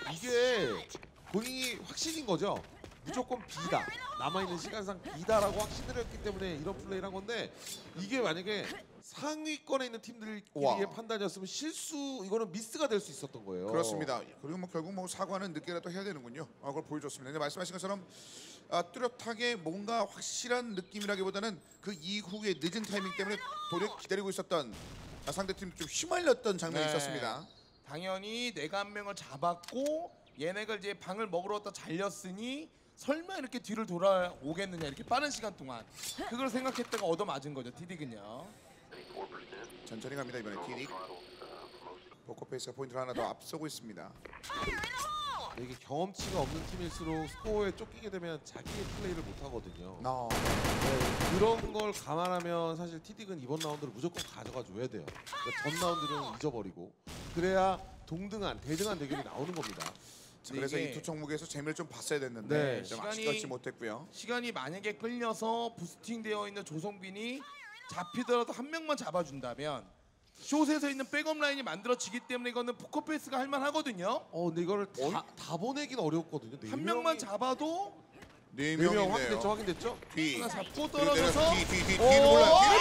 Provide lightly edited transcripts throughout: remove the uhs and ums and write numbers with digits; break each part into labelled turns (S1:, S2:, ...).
S1: 이게 본인이 확신인 거죠. 무조건 B다. 남아있는 시간상 B다라고 확신을 했기 때문에 이런 플레이를 한 건데 이게 만약에 상위권에 있는 팀들끼리의 판단이었으면 실수, 이거는 미스가 될 수 있었던 거예요.
S2: 그렇습니다. 그리고 뭐 결국 뭐 사과는 늦게라도 해야 되는군요. 그걸 보여줬습니다. 근데 말씀하신 것처럼 뚜렷하게 뭔가 확실한 느낌이라기보다는 그 이후의 늦은 타이밍 때문에 도리어 기다리고 있었던 상대팀 좀 휘말렸던 장면이 있었습니다.
S3: 당연히 내가 한 명을 잡았고 얘네가 이제 방을 먹으러 왔다 잘렸으니 설마 이렇게 뒤를 돌아오겠느냐, 이렇게 빠른 시간 동안 그걸 생각했다가 얻어맞은 거죠 티딕은요.
S2: 천천히 갑니다. 이번에 티딕. 포커페이스가 포인트를 하나 더 앞서고 있습니다.
S1: 이게 경험치가 없는 팀일수록 스코어에 쫓기게 되면 자기의 플레이를 못 하거든요. 그런 걸 감안하면 사실 티딕은 이번 라운드를 무조건 가져가 줘야 돼요. 그러니까 전 라운드는 잊어버리고 그래야 동등한, 대등한 대결이 나오는 겁니다.
S2: 그래서 이 두 종목에서 재미를 좀 봤어야 됐는데 좀 아쉽지 못했고요.
S3: 시간이 만약에 끌려서 부스팅되어 있는 조성빈이 잡히더라도 한 명만 잡아준다면 숏에서 있는 백업 라인이 만들어지기 때문에 이거는 포커페이스가 할만하거든요.
S1: 근데 이거를 다 보내기는 어렵거든요.
S3: 한 명만 잡아도
S2: 네
S1: 명
S2: 명이네요.
S1: 확인됐죠, 확인됐죠?
S2: 뒤.
S3: 하나 잡고
S2: 그리고
S3: 떨어져서
S2: 뒤를 몰라요. 뒤를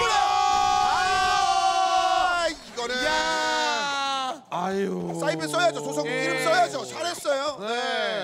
S2: 몰라요. 이거는
S1: 아유.
S2: 사이드 써야죠. 조성국 이름 써야죠. 잘했어요.
S1: 네.